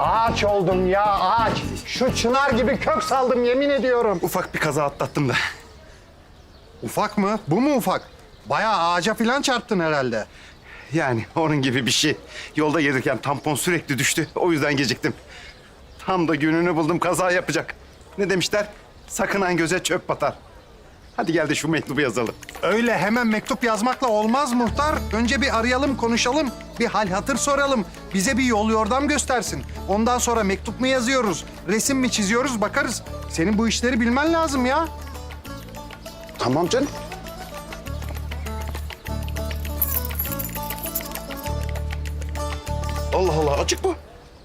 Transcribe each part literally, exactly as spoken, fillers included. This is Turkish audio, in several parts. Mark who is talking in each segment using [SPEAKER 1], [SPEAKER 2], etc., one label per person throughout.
[SPEAKER 1] Ağaç oldum ya ağaç. Şu çınar gibi kök saldım yemin ediyorum.
[SPEAKER 2] Ufak bir kaza atlattım da.
[SPEAKER 1] Ufak mı? Bu mu ufak? Bayağı ağaca falan çarptın herhalde.
[SPEAKER 2] Yani onun gibi bir şey. Yolda gelirken tampon sürekli düştü. O yüzden geciktim. Tam da gününü buldum kaza yapacak. Ne demişler? Sakınan göze çöp batar. Hadi gel de şu mektubu yazalım.
[SPEAKER 1] Öyle hemen mektup yazmakla olmaz muhtar. Önce bir arayalım, konuşalım. Bir hal hatır soralım. Bize bir yol yordam göstersin. Ondan sonra mektup mu yazıyoruz, resim mi çiziyoruz bakarız. Senin bu işleri bilmen lazım ya.
[SPEAKER 2] Tamam canım. Allah Allah, açık bu.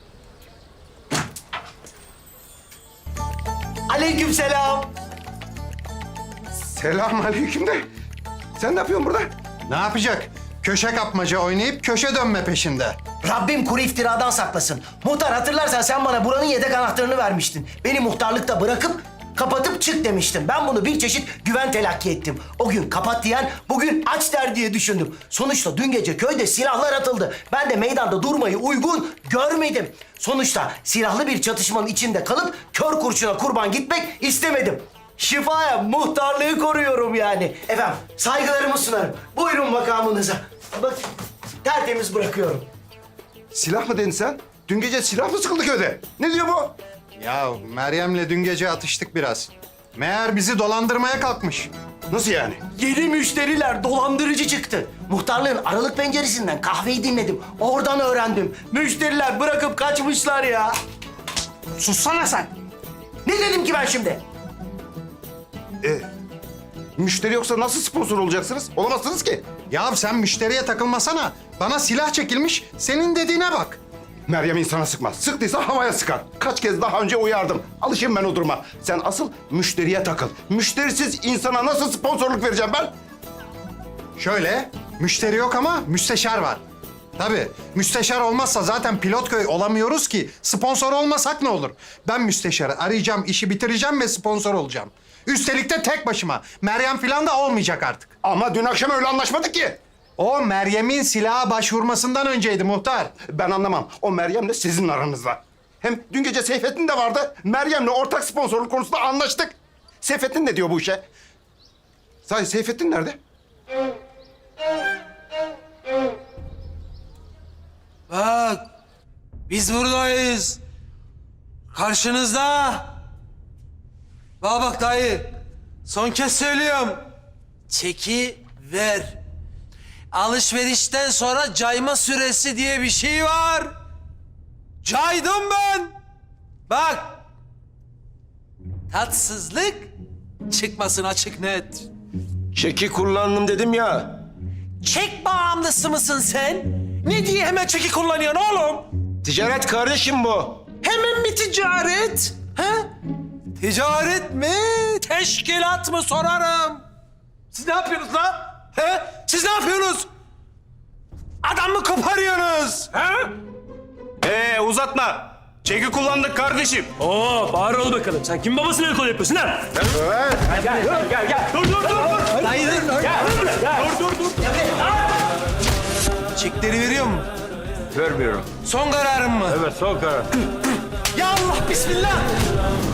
[SPEAKER 3] Aleykümselam.
[SPEAKER 2] Selamünaleyküm de. Sen ne yapıyorsun burada?
[SPEAKER 1] Ne yapacak? Köşe kapmaca oynayıp köşe dönme peşinde.
[SPEAKER 3] Rabbim kuru iftiradan saklasın. Muhtar hatırlarsan sen bana buranın yedek anahtarını vermiştin. Beni muhtarlıkta bırakıp kapatıp çık demiştin. Ben bunu bir çeşit güven telakki ettim. O gün kapat diyen bugün aç der diye düşündüm. Sonuçta dün gece köyde silahlar atıldı. Ben de meydanda durmayı uygun görmedim. Sonuçta silahlı bir çatışmanın içinde kalıp kör kurşuna kurban gitmek istemedim. Şifaya muhtarlığı koruyorum yani. Efendim saygılarımı sunarım. Buyurun makamınıza. Bak tertemiz bırakıyorum.
[SPEAKER 2] Silah mı dedin sen? Dün gece silah mı sıkıldı köyde? Ne diyor bu?
[SPEAKER 1] Ya Meryem'le dün gece atıştık biraz. Meğer bizi dolandırmaya kalkmış.
[SPEAKER 2] Nasıl yani?
[SPEAKER 3] Yeni müşteriler dolandırıcı çıktı. Muhtarlığın aralık penceresinden kahveyi dinledim. Oradan öğrendim. Müşteriler bırakıp kaçmışlar ya. Sussana sen. Ne dedim ki ben şimdi?
[SPEAKER 2] E, müşteri yoksa nasıl sponsor olacaksınız? Olamazsınız ki.
[SPEAKER 1] Ya sen müşteriye takılmasana. Bana silah çekilmiş, senin dediğine bak.
[SPEAKER 2] Meryem insana sıkmaz. Sıktıysa havaya sıkar. Kaç kez daha önce uyardım. Alışayım ben o duruma. Sen asıl müşteriye takıl. Müşterisiz insana nasıl sponsorluk vereceğim ben?
[SPEAKER 1] Şöyle, müşteri yok ama müsteşar var. Tabii, müsteşar olmazsa zaten Pilotköy olamıyoruz ki. Sponsor olmasak ne olur? Ben müsteşarı arayacağım, işi bitireceğim ve sponsor olacağım. Üstelik de tek başıma. Meryem falan da olmayacak artık.
[SPEAKER 2] Ama dün akşam öyle anlaşmadık ki.
[SPEAKER 1] O Meryem'in silaha başvurmasından önceydi muhtar.
[SPEAKER 2] Ben anlamam. O Meryem'le sizin aranızda. Hem dün gece Seyfettin de vardı. Meryem'le ortak sponsorluk konusunda anlaştık. Seyfettin ne diyor bu işe? Sahi Seyfettin nerede?
[SPEAKER 4] Bak, biz buradayız. Karşınızda. Bana bak dayı, son kez söylüyorum. Çeki ver. Alışverişten sonra cayma süresi diye bir şey var. Caydım ben. Bak. Tatsızlık çıkmasın açık net.
[SPEAKER 5] Çeki kullandım dedim ya.
[SPEAKER 4] Çek bağımlısı mısın sen? Ne diye hemen çeki kullanıyorsun oğlum?
[SPEAKER 5] Ticaret kardeşim bu.
[SPEAKER 4] Hemen mi ticaret? He? Ticaret mi? Teşkilat mı sorarım? Siz ne yapıyorsunuz lan? He? Siz ne yapıyorsunuz? Adam mı koparıyorsunuz? He?
[SPEAKER 5] Ee uzatma. Çeki kullandık kardeşim.
[SPEAKER 6] Oo, bağır ol bakalım. Sen kim babasına el kol yapıyorsun ha?
[SPEAKER 4] Dayı dur. Çekleri veriyor mu?
[SPEAKER 5] Vermiyorum.
[SPEAKER 4] Son kararım mı?
[SPEAKER 5] Evet son karar.
[SPEAKER 4] Ya Allah bismillah.